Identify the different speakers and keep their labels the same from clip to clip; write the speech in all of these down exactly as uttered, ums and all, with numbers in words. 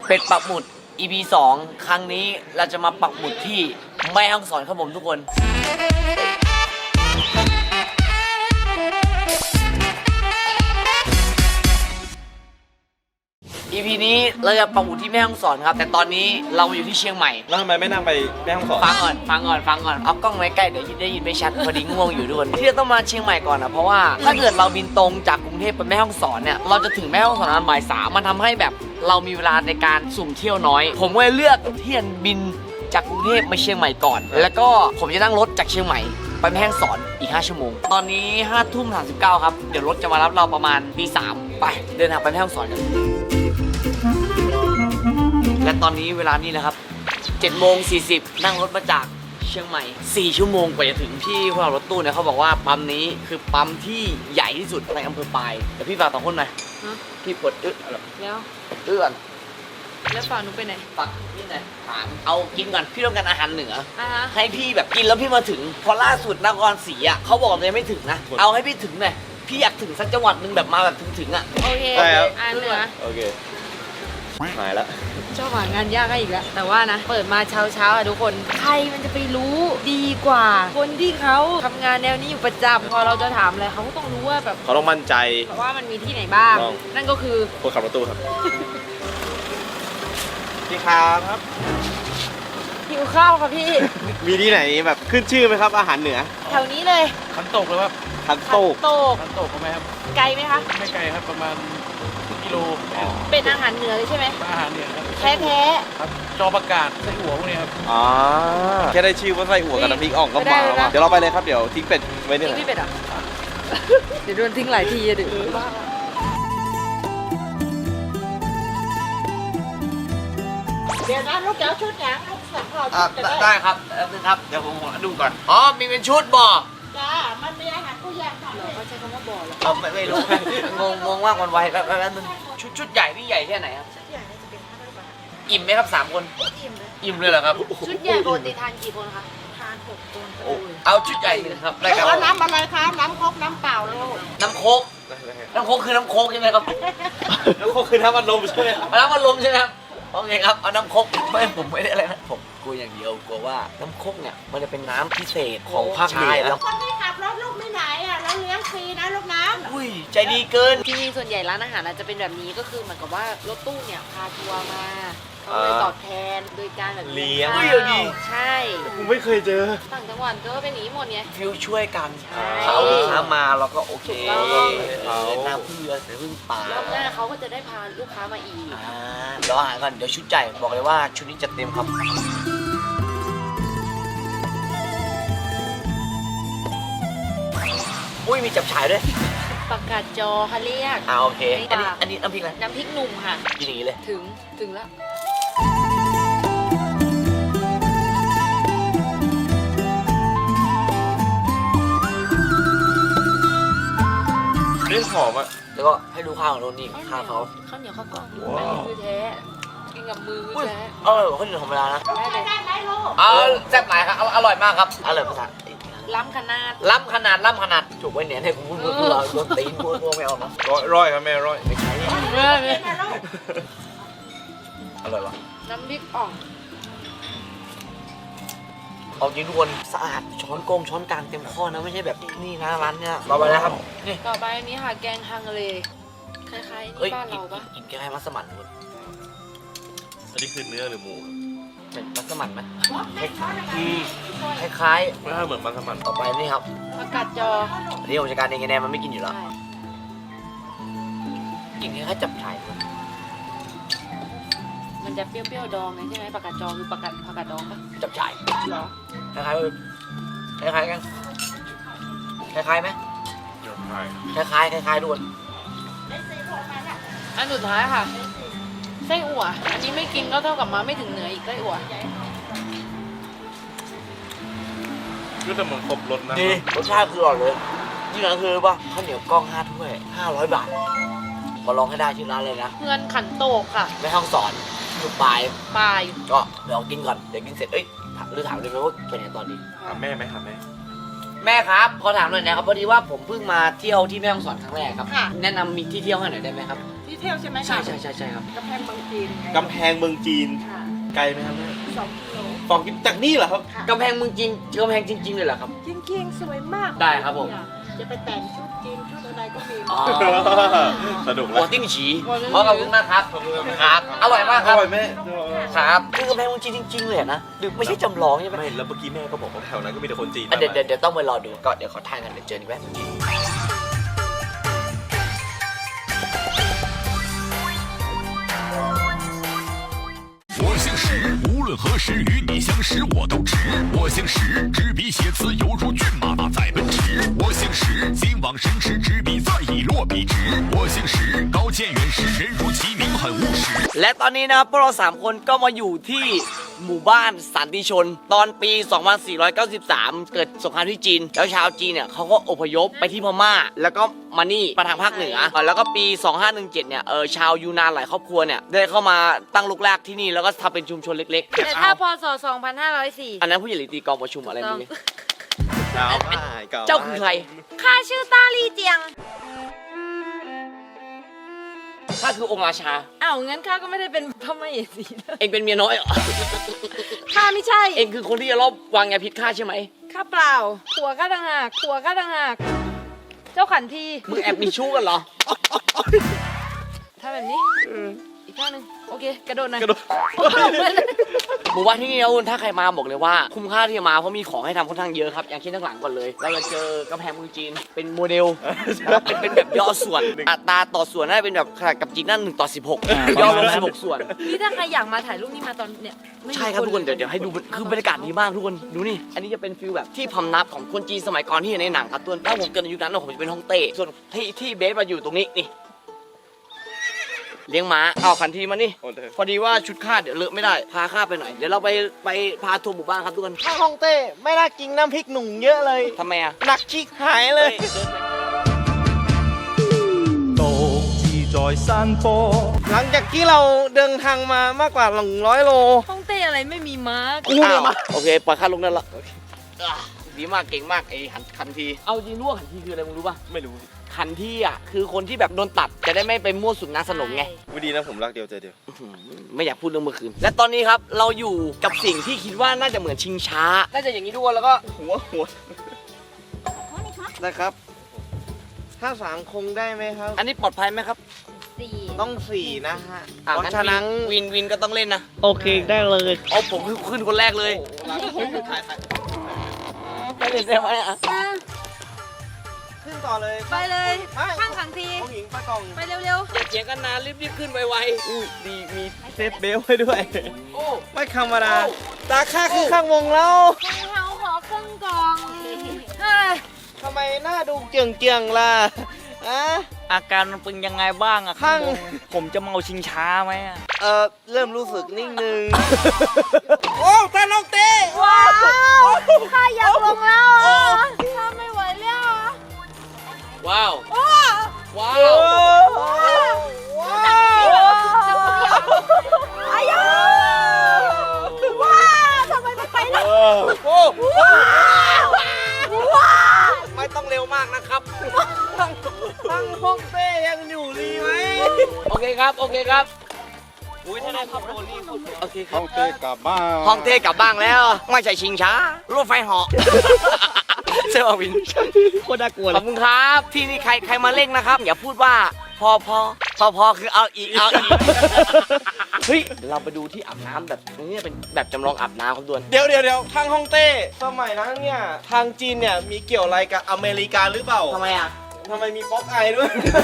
Speaker 1: เป็ดปักหมุด อี พี สองครั้งนี้เราจะมาปักหมุดที่แม่ฮ่องสอนครับผมทุกคน อี พี นี้เราจะปักหมุดที่แม่ฮ่องสอนครับแต่ตอนนี้เราอยู่ที่เชียงใหม่
Speaker 2: แล้วทำไมไม่นั่งไปแม่ฮ่องสอน
Speaker 1: ฟังก่อนฟังก่อนฟังก่อนเอากล้องไว้ใกล้เดี๋ยวได้ยินไม่ชัดพอดีง่วงอยู่ด้วยที่เราต้องมาเชียงใหม่ก่อนนะเพราะว่าถ้าเกิดเราบินตรงจากกรุงเทพไปแม่ฮ่องสอนเนี่ยเราจะถึงแม่ฮ่องสอนตอนบ่ายสามมันทำให้แบบเรามีเวลาในการสุ่มเที่ยวน้อย ผมก็เลยเลือกที่จะบินจากกรุงเทพมาเชียงใหม่ก่อน แล้วก็ผมจะนั่งรถจากเชียงใหม่ไปแม่ฮ่องสอนอีกห้าชั่วโมงตอนนี้ห้าทุ่มสามสิบเก้าครับเดี๋ยวรถจะมารับเราประมาณตีสามไปเดินทางไปแม่ฮ่องสอนกันและตอนนี้เวลานี้นะครับเจ็ดโมงสี่สิบนั่งรถมาจากเชียงใหม่สี่ชั่วโมงกว่าจะถึงที่พวกเรารถตู้เนี่ยเขาบอกว่าปั๊มนี้คือปั๊มที่ใหญ่ที่สุดในอำเภอปายเดี๋ยวพี่ฝากสองคนหน่อยพี่ปวดอึ๊ะ
Speaker 3: แล้ว
Speaker 1: อึ๊ะก่อน
Speaker 3: แล้วฝั่งหนูไปไหน
Speaker 1: ฝากนี่หน่อยถามเอากินก่อนพี่ต้องการอาหารเหนือ
Speaker 3: อ่ะฮะ
Speaker 1: ให้พี่แบบกินแล้วพี่มาถึงพอล่าสุดนครศรีอ่ะเขาบอกเลยงไม่ถึงนะเอาให้พี่ถึงหน่อยพี่อยากถึงสักจังหวัดหนึ่งแบบมาแบบถึงๆอ่ะ
Speaker 3: โอเค
Speaker 2: ได้ครับ
Speaker 3: อ่านเหนือ
Speaker 2: โอเคหายแล้ว
Speaker 3: ชอบหางานยากให้อีกแล้ว แต่ว่านะ เปิดมาเช้าเช้าๆอะทุกคน ใครมันจะไปรู้ดีกว่า คนที่เขาทำงานแนวนี้อยู่ประจำพอเราจะถามอะไรเขาก็ต้องรู้ว่าแบบ
Speaker 2: เขาต้องมั่นใจ
Speaker 3: ว่ามันมีที่ไหนบ้าง
Speaker 2: ต้อง
Speaker 3: นั่นก็คือ
Speaker 2: คนขับรถตู้ครับพี่ครับ
Speaker 3: หิวข้าวค่ะพี่
Speaker 2: มีที่ไหนแบบขึ้นชื่อไหมครับอาหารเหนือ
Speaker 3: แถวนี้เลย
Speaker 4: ขันโตกเลยครับ
Speaker 2: ทันโตก
Speaker 3: โตก
Speaker 4: ขันโตกไหมครับ
Speaker 3: ไกลไหมคะ
Speaker 4: ไม่ไกลครับประมาณกิโล
Speaker 3: เป็นอาหารเหนือเลยใช่ไหม
Speaker 4: อาหารเนี่ยครับ
Speaker 3: แท้แท้
Speaker 4: ครับจอประกาศไส้หัวพวกนี้ครับ
Speaker 2: อ๋อแค่ได้ชื่อว่าไส้อั่วกับน้ำพริกอ่องก็
Speaker 3: ไม่ได้
Speaker 2: มา
Speaker 3: เลยนะ
Speaker 2: เดี๋ยวเราไปเลยครับเดี๋ยวทิ้งเป็ดไว้
Speaker 3: ๆ
Speaker 2: นี่
Speaker 3: ทิ้ง
Speaker 2: แหละ
Speaker 3: พี่เป็ดอ่ะ เดี๋ยวโดนทิ้งหลายทีอะดิ
Speaker 5: เดี๋ยวนะลูกเดี๋ยวชุดหยังลูกสับข้าว
Speaker 1: อ่ะ
Speaker 5: ชุดจะ
Speaker 1: ได้ครับแป๊บนึงครับเดี๋ยวผมขอดูก่อนอ๋อมีเป็นชุดบ่อ
Speaker 5: จ้ามันมีอาหารผู้แยกค่ะ
Speaker 3: เหรอเขาใช้คำว่าบ่อเหรอ
Speaker 1: เอาไม่ไม่รู้ งงงงมากวันไวแป๊บแป๊บแป๊บนึงชุดชุดใหญ่พี่ใหญ่แค่ไหนครับ
Speaker 5: ชุดใหญ่เนี่ยจะเป็นห้าร้อยบาท
Speaker 1: อิ่มไหมครับสามคน
Speaker 5: อิ่มเลย
Speaker 1: อิ่มเลยเหรอครับ
Speaker 3: ชุดใหญ่ปกติทานกี่คนคะ
Speaker 5: ทานหกคน
Speaker 1: โอ้เอาชุดใหญ่หนึ่งครับได้ครับ
Speaker 5: เอาน้ำอะไรคะน้ำครกน้ำเปล่าลูก
Speaker 1: น้ำโค้กน้ำโค้กคือน้ำโค้กใช่ไหมครับ
Speaker 2: แล้วก็คือน้ำมันลมใช่ไหม
Speaker 1: เอาน้ำมันลมใช่ไหมครับโอเคครับเอาน้ำโค้กไม่ผมไม่ได้อะไรนะผมกลัวอย่างเดียวกลัวว่าน้ำโค้กเนี่ยมันจะเป็นน้ำพิเศษของภาคเหนือแล้ว
Speaker 5: คนที่ขับรถลูกไม่ไหนอ่ะแล้วเลี้ยงฟรีนะลูกนะ
Speaker 1: อุ้ยใจดีเกิน
Speaker 3: ที่นี่ส่วนใหญ่ร้านอาหารอาจจะเป็นแบบนี้ก็คือเหมือนกับว่ารถตู้เนี่ยพาทัวร์มาเขาเลยตอบแทนโดยการแบบ
Speaker 2: เลี้ยง
Speaker 3: ข้าว
Speaker 1: เฮ้ยดี
Speaker 3: ใช่
Speaker 2: กูไม่เคยเจอ
Speaker 3: ต่างจังหวัดก็เป็นอย่างนี้หมดไง
Speaker 1: ฟิลช่วยกัน
Speaker 3: ใช่
Speaker 1: เขาลูกค้ามาเราก็โอเค
Speaker 3: ถูกต้อง
Speaker 1: เออน้ำพึ่งเรือเสือพึ่งป่าร
Speaker 3: อบหน้าเขาก็จะได้พาลูกค้ามาอีก
Speaker 1: อ่าเดี๋ยวอาหารก่อนเดี๋ยวชุดใหญ่บอกเลยว่าชุดนี้จัดเต็มครับอุ้ยมีจับฉ่ายด้วย
Speaker 3: ปากกาดจอเขาเรียก
Speaker 1: อ่าโอเค อันนี้
Speaker 3: ค่ะ
Speaker 1: อันนี้น้ำพริกอะไร
Speaker 3: น้ำพริกหนุ่มค่ะ
Speaker 1: กินอย่างนี้เลย
Speaker 3: ถึงถึงแล้ว
Speaker 2: เรื่องหอมอ่ะ
Speaker 1: แล้วก็ให้ดูข้าวของโรนนี่ข้าวเขา
Speaker 3: ข้าวเหนียวข้าวกล้อง
Speaker 2: ว้าว
Speaker 3: คือแท้กินกับมือ
Speaker 1: อุ้ย
Speaker 3: แท้
Speaker 1: อร่อยกว่าข้าวเหนียวธรรมดานะ
Speaker 3: ได้เลย
Speaker 5: ได้ไหมลูก
Speaker 1: เออแซ่บหลายครับออร่อยมากครับอร่อยภาษา
Speaker 3: ล้ำขนาด
Speaker 1: ล้ำขนาดล้ำขนาดถูกไว้เนี่ยให้ผมพูดพูดพูดโดนตีนพูดพูดไม่เอานะ
Speaker 2: ร้อยร้อยครับแม่ร้อย
Speaker 1: ไม่ใช่
Speaker 3: เออ
Speaker 5: เป็นนะลูก
Speaker 1: อร่อยวะ
Speaker 3: น้ำพริกอ่อง
Speaker 1: เอาจริงทุกคนสะอาดช้อนโกงช้อนกลางเต็มข้อนะไม่ใช่แบบนี่นะร้านเนี่ยเราไปแล้วครับนี่
Speaker 3: ต่อไปอันนี้ค่ะแกงฮังเลคล้ายๆ
Speaker 1: เอ้ย
Speaker 3: นี่บ้าน
Speaker 1: กิน
Speaker 3: เราปะ
Speaker 1: กินแกงให้มัสมั่นทุกคน
Speaker 2: อันนี้คือเนื้อหรือหมู
Speaker 1: เป็นมัสมั่นไหม
Speaker 5: ไม่ช้อนอะไร
Speaker 1: อืมคล้าย
Speaker 2: ไม่ถ้าเหมือนมันสมัน
Speaker 1: ๆต่อไปนี่ครับ
Speaker 3: ผักกาดจอ
Speaker 1: อันนี้ผมจัดการเองไงแนนมันไม่กินอยู่แล้ว
Speaker 3: ใช่
Speaker 1: กินแค่จับฉ่ายทุกคน
Speaker 3: มันจะเปรี้ยวๆดองไงใช่ไหมผักกาดจอคือผักกาดผักกาดดองปะ
Speaker 1: จับฉ่าย
Speaker 3: เหรอ
Speaker 1: คล้ายๆเลยคล้ายๆกันคล้ายๆไหม
Speaker 2: เดี๋ยวใช่
Speaker 1: คล้ายๆคล้ายๆทุกคน
Speaker 3: อันสุดท้ายค่ะไส้อั่วอันนี้ไม่กินก็เท่ากับมาไม่ถึงเหนืออีกไส้อั่ว
Speaker 2: ก็จะเหมือนครบรสนะ
Speaker 1: ดีรสชาติคืออร่อยเลยที่ร้านคือป่ะข้าวเหนียวกล้องห้าถ้วยห้าร้อยบาทมาลองให้ได้ที่ร้านเลยนะ
Speaker 3: เงินขันโตกค่ะ
Speaker 1: ไม่ห้องสอนอยู่ปลาย
Speaker 3: ปลาย
Speaker 1: ก็เดี๋ยวกินก่อนเดี๋ยวกินเสร็จเอ้ยถามหรือถามเลยไหมว่าเป็นไงตอนนี้
Speaker 2: หาแม่ไหมหาแม่
Speaker 1: แม่ครับขอถามหน่อยนะครับพอดีว่าผมเพิ่งมาเที่ยวที่แม่ฮ่องสอนครั้งแรกครับแนะนำมีที่เที่ยวให้หน่อยได้ไหมครับที่
Speaker 5: ที่เที่ยวใช่ไหมคะ
Speaker 1: ใช่ใช่ใช่ใช่ครับ
Speaker 5: กำแพงเมืองจีนไง
Speaker 2: กำแพงเมืองจีน
Speaker 5: ค่ะ
Speaker 2: ไกลไหมครับแม่
Speaker 5: สองกิโล
Speaker 2: สองกิโลจากนี่เหรอครับ
Speaker 5: ค่ะ
Speaker 1: กำแพงเมืองจริงกำแพงจริง ๆ เลยเหรอครับ
Speaker 5: จริงๆสวยมาก
Speaker 1: ได้ครับผม
Speaker 5: จะไปแต่งชุดจีนชุดอะไรก็มี
Speaker 1: อ๋อ
Speaker 2: สนุก
Speaker 1: หั
Speaker 2: แล้ว
Speaker 1: วติ้งฉีขอขอบคุณมากครับครับ อร่อยมากค
Speaker 2: อ
Speaker 1: รับ
Speaker 2: ร่อยแม่
Speaker 1: ครับคือกำแพงเมืองจีนจริง ๆ เลยนะหรือไม่ใช่จำลองใช่ไหม
Speaker 2: ไม่แล้วเมื่อกี้แม่ก็บอกว่าแถวนั้นก็มีแต่คนจีน
Speaker 1: อ่ะเดี๋ยวเดี๋ยวเดี๋ยวต้องไปรอดูก็เดี๋ยวขอทานกันเดี๋ยวเจอกันแป๊บนึง
Speaker 6: 我姓石，无论何时与你相识我都直。我姓石，执笔写词犹如骏马在奔驰。我姓石，心往神驰，执笔再以落笔直。我姓石，高见远识，人如其名很务实。
Speaker 1: และตอนนี้นะครับพวกเราสามคนก็มาอยู่ที่หมู่บ้านสันติชน ตอนปี สองพันสี่ร้อยเก้าสิบสาม เกิดสงครามที่จีน แล้วชาวจีนเนี่ยเขาก็อพยพไปที่พม่า แล้วก็มานี่มาทางภาคเหนือเออแล้วก็ปี สองพันห้าร้อยสิบเจ็ด เนี่ยเออชาวยูนานหลายครอบครัวเนี่ยได้เข้ามาตั้งรกรากที่นี่แล้วก็ทำเป็นชุมชนเล็กๆ
Speaker 3: แต่ถ้าพศสองพันห้าร้อยสี่
Speaker 1: อันนั้นผู้ใหญ่หรือตีกองประชุมอะไร
Speaker 3: ต้อง
Speaker 1: นี่
Speaker 2: เก่ามาก
Speaker 1: เจ้าคือใคร
Speaker 3: ข้าชื่อตาลีเจียง
Speaker 1: ข้าคือองค์ราชา
Speaker 3: อ้าวงั้นข้าก็ไม่ได้เป็นพระมเหสีนะ
Speaker 1: เองเป็นเมียน้อยเหรอ
Speaker 3: ข้าไม่ใช่
Speaker 1: เองคือคนที่จะรอบวางยาพิษข้าใช่ไหม
Speaker 3: ข้าเปล่าผัวข้าต่างหากผัวข้าต่างหาก เจ้าขันที
Speaker 1: มึงแอบมีชู้กันเหรอ
Speaker 3: ทำแบบนี้ อีกข้างหนึ่งโอเค กระโดดหน่อย
Speaker 2: กระโดด
Speaker 1: หมู่บ้านที่นี่นะคุณถ้าใครมาบอกเลยว่าคุ้มค่าที่จะมาเพราะมีของให้ทำค่อนข้างเยอะครับ อย่างเช่นข้างหลังก่อนเลย เราจะเจอกำแพงเมืองจีนเป็นโมเดลแล้วเป็นเป็นแบบย่อส่วน อัตราต่อส่วนน่าจะเป็นแบบขนาดกับจีนนั่นหนึ่งต่อสิบหกย่อลงสิบหกส่วน
Speaker 3: นี่ถ้าใครอยากมาถ่ายรูปนี่มาตอนเนี่ยไม่มี
Speaker 1: ใช่ครับทุกคนเดี๋ยวเดี๋ยวให้ดูคือบรรยากาศดีมากทุกคนดูนี่ อันนี้จะเป็นฟิลแบบที่พำนับของคนจีนสมัยก่อนที่อยู่ในหนังครับตัวนถ้าผมเกิดในยุคนั้นผมจะเป็นฮ่องเต้ส่วนที่ที่เบสมาอยู่ตรงนี้นี่เลี้ยงม้าเอาขันทีมานี่
Speaker 2: โอเค
Speaker 1: พอดีว่าชุดข้าเดี๋ยวเลอะไม่ได้พาข้าไปหน่อยเดี๋ยวเราไปไปพาทัวร์หมู่บ้านครับทุกคน
Speaker 7: ข้าวฮ่องเต้ไม่น่ากินน้ำพริกหนุ่มเยอะเลย
Speaker 1: ทำไมอ่ะ
Speaker 7: หนักชิกหายเลย
Speaker 8: 獨自在山坡。
Speaker 7: หลังจากที่เราเดินทางมามากกว่าหนึ่งร้อยโล
Speaker 3: ห้องเต้อะไรไม่มีม้า
Speaker 7: กูเนี่ยมา
Speaker 1: โอเคปล่อยข้าลงนั่นละอ่ะดีมากเก่งมากไอ้ขันขันทีเอาจริงรู้ว่าขันทีคืออะไรมึงรู้ป่ะ
Speaker 2: ไม่รู้
Speaker 1: ขันทีอ่ะคือคนที่แบบโดนตัดจะได้ไม่ไปมั่วสุมนางสนมไง
Speaker 2: ไม่ดีนะผมรักเดียวใจเดียว
Speaker 1: อื้อหือไม่อยากพูดเรื่องเมื่อคืนและตอนนี้ครับเราอยู่กับสิ่งที่คิดว่าน่าจะเหมือนชิงช้าน่าจะอย่างนี้ทุกคนแล้วก็หัวหัว
Speaker 7: นะครับ ถ้าสามคงได้ไหมครับ
Speaker 1: อันนี้ปลอดภัยไหมครับ
Speaker 3: สี่
Speaker 7: ต้องสี่นะฮะ
Speaker 1: อ่ะ
Speaker 7: เพราะ
Speaker 1: งั้น
Speaker 7: ฉะนั้น
Speaker 1: วินวินก็ต้องเล่นนะ
Speaker 7: โอเคได้เลย
Speaker 1: เอาผมคือขึ้นคนแรกเลยไม่เล่นได้ไหมอ่ะ
Speaker 7: ขึ้นต่อเลย
Speaker 3: ไปเลย
Speaker 7: ไป
Speaker 3: ข้างขังที
Speaker 7: ผู้หญิงป้ากล่อง
Speaker 3: ไปเร็ว
Speaker 1: อย่าเถียงกันนานรีบๆขึ้นไว
Speaker 7: อุ้ยดีมีเซฟเบลให้ด้วย
Speaker 1: ๆโอ้
Speaker 7: ไม่ธรรมดาตาค่าคือข้างวงแล้ว
Speaker 3: ๆเขาขอครึ่งกล่องเฮ้ย
Speaker 7: ทำไมหน้าดูเจียงเจียงๆล่ะอะ
Speaker 9: อาการมันเป็นยังไงบ้างอะ
Speaker 7: ข้าง
Speaker 9: ผมจะเมาชิงช้าไหมอะ
Speaker 7: เออเริ่มรู้สึกนิ่งนึง โอ้ตาน้องเต้
Speaker 3: ว้าวข้าอยากลงแล้วอ่ะข้าไม่ไหวแล้วอ่ะ
Speaker 1: ว้าว
Speaker 3: โอ้
Speaker 1: ว้า
Speaker 7: โอ้
Speaker 1: ว
Speaker 7: ว้าว
Speaker 3: อายาว้าทำไมไม่ไปล่ะ
Speaker 7: โอ้
Speaker 3: ว้าว้า
Speaker 7: ไม่ต้องเร็วมากนะครับตั้งตั้งห้องเต้ยังอยู่ดีไหม
Speaker 1: โอเคครับโอเคครับ
Speaker 9: อุ้ยถ้าได้ขับโดนรีบ
Speaker 1: โอเคครับ
Speaker 2: ห้องเต้กลับบ้าน
Speaker 1: ห้องเต้กลับบ้านแล้ว ไม่ใช่ชิงช้ารถไฟเหาะใช่ป่ะวิน
Speaker 7: โคตรน่ากลัว
Speaker 1: ข
Speaker 7: เล
Speaker 1: อบคุณครับที่นี่ใครใครมาเล่นนะครับ อย่าพูดว่าพอพอพอพอคือเอาอีกเอาอีกเฮ้ยเดี๋ยวเราไปดูที่อาบน้ำแบบนี้เป็นแบบจำลองอาบน้ำครับด่วน
Speaker 7: เดี๋ยวเดี๋ยวเดี๋ยวทางฮ่องเต้สมัยนั้นเนี่ย ทางจีนเนี่ย มีเกี่ยวอะไรกับอเมริกาหรือเปล่า
Speaker 1: ทำไมอ่ะ
Speaker 7: ทำไมมีป๊อกไอด้วย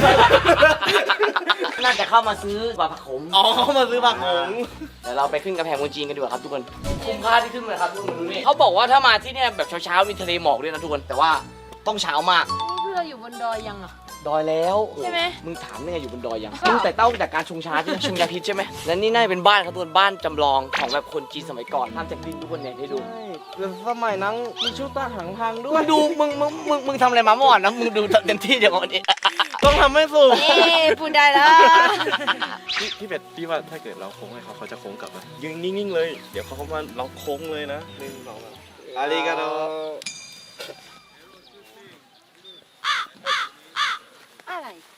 Speaker 1: น่าจะเข้ามาซื้อบาผักขม
Speaker 7: อ๋อเขามาซื้อผักหง
Speaker 1: เดี๋ยวเราไปขึ้นกำแพงเมืองจีนกันดีกว่าครับทุกคนคุ้มค่าที่ขึ้นเลยครับทุกคนดูนี่เขาบอกว่าถ้ามาที่เนี่ยแบบเช้าๆมีทะเลหมอกด้วยนะทุกคนแต่ว่าต้องเช้ามาก
Speaker 3: นี่คือเราอยู่บนดอยยังอ่ะ
Speaker 1: ดอยแล้ว
Speaker 3: ใช่ไหม
Speaker 1: มึงถามได้ไงอยู่บนดอยยังมึงแต่เต้าจากการชงชาใช่ไหมชงยาพิษใช่ไหมและนี่น่าจะเป็นบ้านครับทุกคนบ้านจำลองของแบบคนจีนสมัยก่อนทำจากดินทุกคนเนี่ยให้ดู
Speaker 7: ใช่แล้วสมัยนั้นมีชุดทหารพรางด้ว
Speaker 1: มึ
Speaker 7: ย
Speaker 1: งดูมึงมึงมึงมึงทำอะไรมาเมื่อวานนะมึงดูเต็มที่เดี๋ยววันนี้
Speaker 7: ต้องทำให้สุก
Speaker 3: เอ๊ะพูดได้แล้ว
Speaker 2: พี่พี่เป็ดพี่ว่าถ้าเกิดเราโค้งให้เขาเขาจะโค้งกลับไหมยืนนิ่งๆเลย เดี๋ยวเขาเข้ามาเราโค้งเลยนะหนึ่งสองสาม
Speaker 7: อาริกาโด
Speaker 3: อะไร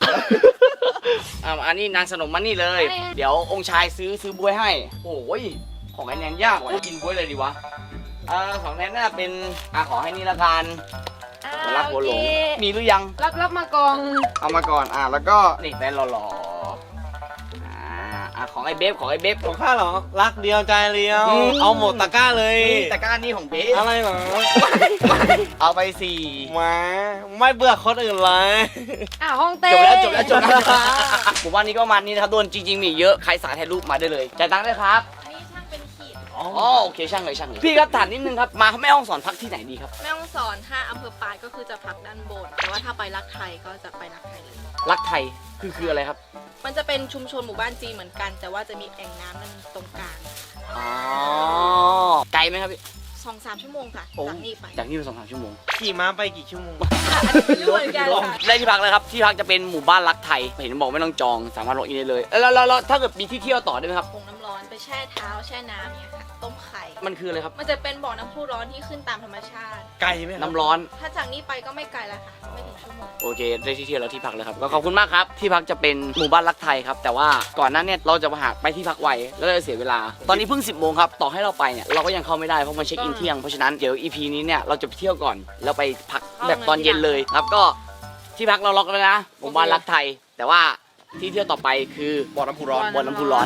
Speaker 1: อ่าอันนี้นางสนมมานี่เลย เดี๋ยวองค์ชายซื้อซื้อบวยให้โอ้ยของไอ้แนนยากกว่ากินบวยเลยดีวะอ่าของแนนน่าเป็นอ่าขอให้นี่ละกันหัวรักหัวหลงมีหรือยัง
Speaker 3: รับรับมากอง
Speaker 1: เอามาก่อนอ่าแล้วก็นี่แฟนหล่อๆอ่าอ่าของไอ้เบฟของไอ้เบฟ
Speaker 7: ของข้าเหรอ รักเดียวใจเดียว
Speaker 1: อืม
Speaker 7: เอาหมดตะกร้าเลย
Speaker 1: นี่ตะกร้านี่ของเบฟ
Speaker 7: อะไรเหรอ
Speaker 1: เอาไปสี่
Speaker 7: แหมาไม่เบื่อคนอื่นเลย
Speaker 3: อ่ะห้องเต้
Speaker 1: จบแล้วจบแล้วจบแล้วผมว่านี้ก็ประมาณนี้นะครับโดนจริงๆมีเยอะใครสายถ่ายรูปมาได้เลยจ่ายตังค์ได้ครับ
Speaker 10: อันนี้ช่างเป็นขีด
Speaker 1: อ๋อโอเคช่างเลยช่างเลยพี่ครับถามนิดนึงครับมาแม่ห้องสอนพักที่ไหนดีครับ
Speaker 10: แม่ฮ่องสอนถ้าอำเภอปายก็คือจะพักด้านบน แต่ว่าถ้าไปรักไทยก็จะไปรักไทยเลย
Speaker 1: รักไทยคือคืออะไรครับ
Speaker 10: มันจะเป็นชุมชนหมู่บ้านจีนเหมือนกัน แต่ว่าจะมีแอ่งน้ำนั่นตรงกลาง
Speaker 1: อ๋อไกลไหมครับพี่
Speaker 10: สองสามชั่วโมงค่ะ
Speaker 1: โอ้
Speaker 10: จากนี่ไป
Speaker 1: จากนี่ไปสองสามชั่วโมง
Speaker 7: ขี่ม้าไปกี่ชั่วโมง
Speaker 10: อันนี้ไม่รู้เหมือนกันค่ะ
Speaker 1: ได้ที่พักเลยครับที่พักจะเป็นหมู่บ้านรักไทยเห็นบอกไม่ต้องจองสามารถล็อกอินได้เลยแล้วแล้วแล้วถ้าเกิดมีที่เที่ยวต่อได้ไหมครับ
Speaker 10: ผงน้ำร้อนไปแช่เท้าแช่น้ำเนี่ยค่ะ ต้มไข่
Speaker 1: มันคืออะไรครับ
Speaker 10: มันจะเป็นบ่อน้ำพุร้อนที่ขึ้นตามธรรมชาติ
Speaker 7: ไกลไหมครับ
Speaker 1: น้ำร้อน
Speaker 10: ถ้าจากนี้ไปก็ไม่ไกลแล้วค่ะ ไม่ถึงชั่วโมง
Speaker 1: โอเคได้ที่เที่ยวแล้วที่พักเลยครับก็ขอบคุณมากครับที่พักจะเป็นหมู่บ้านรักไทยครับแต่ว่าก่อนหนั้นเนี่ยเราจะมาหาไปที่พักไวแล้วเราจะเสียเวลา ตอนนี้เพิ่งสิบโมงครับต่อให้เราไปเนี่ยเราก็ยังเข้าไม่ได้เพราะมันเช็คอินเที่ยงเพราะฉะนั้นเดี๋ยว อี พี นี้เนี่ยเราจะไปเที่ยวก่อนแล้วไปพักแบบตอนเย็นเลยครับก็ที่พักเราล็อกแล้วนะหมู่บ้านรักไทย แต่ว่าที่เที่ยวต่อไปคือบ่อน้ำพุร้อนบ่อน้ำพุร้อน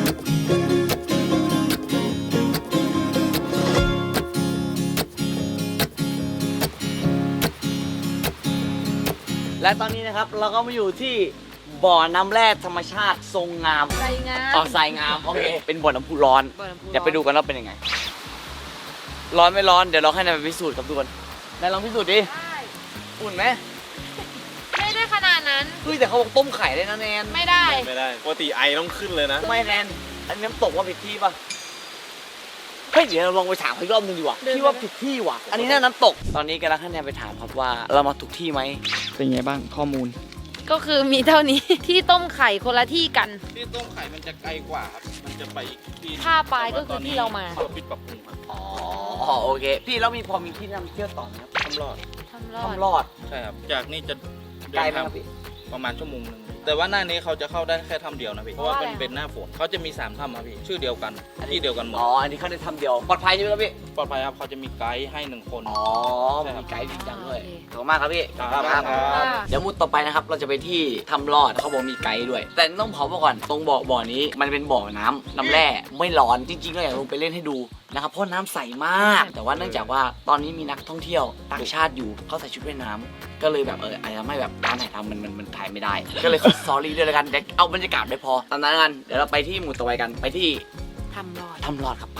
Speaker 1: และตอนนี้นะครับเราก็มาอยู่ที่บ่อน้ำแร่ธรรมชาติทรงงาม
Speaker 3: ใส่งา
Speaker 1: อ๋อ
Speaker 3: ม
Speaker 1: ทรายงามโอเคเป็นบ่อน้ำพุร้อน
Speaker 3: บ่อน้ำพุร้อน
Speaker 1: เดี๋ยวไปดูกันว่าเป็นยังไง ร้อนไม่ร้อนเดี๋ยวเราให้นายไปพิสูจน์ครับทุกคนนายลองพิสูจน์ดิ
Speaker 3: ได้
Speaker 1: อุ่นไหม
Speaker 3: ไม่ได้ขนาดนั้น
Speaker 1: เฮ้ยแต่เขาบอกต้มไข่ได้นะแนน
Speaker 3: ไม่ได้
Speaker 7: ไม่ได้ปกติไอต้องขึ้นเลยนะ
Speaker 1: ไม่แนนอันนี้น้ำตกว่าผิดที่ปะเฮ้ยเดี๋ยวเราลองไปถามเขาอีกรอบนึงดีกว่า
Speaker 3: เดินไป
Speaker 1: พี่ว่าผิดที่ว่ะอันนี้น่าน้ำตกตอนนี้กำลังให้แนนไปถามครับว่าเรามาถูกที่ไหมเป็นไงบ้างข้อมูล
Speaker 3: ก็คือมีเท่านี้ ที่ต้มไข่คนละที่กัน
Speaker 4: ที่ต้มไข่มันจะไกลกว่าครับ มันจะไปอีกที่
Speaker 3: ท่าปลายก็คือที่เรามา
Speaker 4: เขาปิดปรับปรุงครับ
Speaker 1: อ๋อโอเค พี่แล้วมีพอมีที่นำเที่ยวต่อไหมครับ
Speaker 4: ทำรอด
Speaker 3: ทำรอด
Speaker 1: ทำรอด
Speaker 4: ใช่ครับ จากนี่จะ
Speaker 1: ไกล
Speaker 4: เดิน
Speaker 1: ไหม
Speaker 4: ทาง
Speaker 1: ครับพี่
Speaker 4: ประมาณชั่วโมงหนึงแต่ว่าหน้านี้เขาจะเข้าได้แค่ถ้ำเดียวนะพี่ เพราะว่า
Speaker 3: เพราะ
Speaker 4: เป็น
Speaker 3: อะไร
Speaker 4: เป็นหน้าฝนเขาจะมีสามถ้ำครับพี่ ชื่อเดียวกัน ที่เดียวกันหมด
Speaker 1: อ๋ออันนี้เขาได้ทำเดียวปลอดภัยใช่ไหมครับพี่
Speaker 4: ปลอดภัยครับเขาจะมีไกด์ให้หนึ่งคน
Speaker 1: อ๋อ
Speaker 4: ใช่ครับ
Speaker 1: มีไกด์จริงจังด้วย
Speaker 3: โอเค
Speaker 1: ขอบคุณมากครับพี่
Speaker 4: ครับ
Speaker 1: ขอบคุณ
Speaker 3: ค่ะ
Speaker 1: เดี๋ยวมุดต่อไปนะครับ เราจะไปที่ทำรอดเขาบอกมีไกด์ด้วย แต่ต้องเผามาก่อน ตรงบ่อบ่อนี้มันเป็นบ่อน้ำน้ำแร่ไม่ร้อนจริงๆก็อยากลงไปเล่นให้ดูนะครับ เพราะน้ำใสมาก แต่ว่าเนื่องจากว่าตอนนี้มีนักท่องเที่ยวต่างชาติอยู่เขาใส่ชุดว่ายน้ำก็เลยแบบเอออาจจะทำให้แบบการถ่ายทำมันมันมันถ่ายไม่ได้ ก็เลยขอซอรี่ด้วยแล้วกันเดี๋ยวเอาบรรยากาศได้พอตามนั้นกันเดี๋ยวเราไปที่หมู่ต่อไปกันไปที่
Speaker 3: ทำรอด
Speaker 1: ทำรอดครับไป